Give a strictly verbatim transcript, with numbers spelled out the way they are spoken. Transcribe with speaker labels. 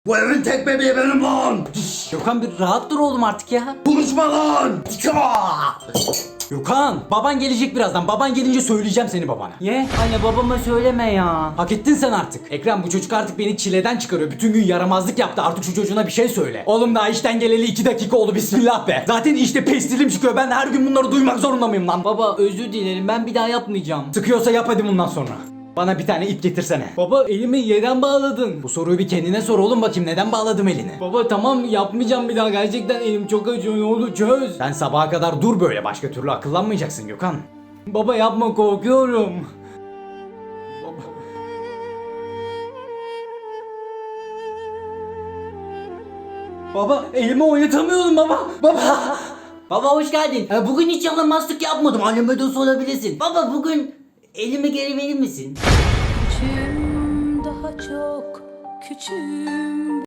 Speaker 1: Bu evin tek bebeği benim lan.
Speaker 2: Gökhan bir rahat dur oğlum artık ya.
Speaker 1: Konuşma lan.
Speaker 2: Gökhan baban gelecek birazdan. Baban gelince söyleyeceğim seni babana.
Speaker 3: Ye anne babama söyleme ya.
Speaker 2: Hak ettin sen artık. Ekrem bu çocuk artık beni çileden çıkarıyor. Bütün gün yaramazlık yaptı. Artık şu çocuğuna bir şey söyle. Oğlum daha işten geleli iki dakika oldu. Bismillah be. Zaten işte pestilim çıkıyor. Ben de her gün bunları duymak zorunda mıyım lan?
Speaker 3: Baba özür dilerim, ben bir daha yapmayacağım.
Speaker 2: Sıkıyorsa yap hadi bundan sonra. Bana bir tane ip getirsene.
Speaker 3: Baba elimi yerden bağladın.
Speaker 2: Bu soruyu bir kendine sor oğlum bakayım. Neden bağladım elini?
Speaker 3: Baba tamam yapmayacağım bir daha, gerçekten elim çok acıyor, ne olur çöz.
Speaker 2: Sen sabaha kadar dur böyle. Başka türlü akıllanmayacaksın Gökhan.
Speaker 3: Baba yapma, korkuyorum.
Speaker 2: Baba.
Speaker 3: Baba elimi oynatamıyorum baba. Baba. Baba hoş geldin. Ee, Bugün hiç yalamazlık yapmadım. Anneme de sorabilirsin. Baba bugün elimi geri verir misin?
Speaker 4: Küçüğüm, daha çok küçüğüm.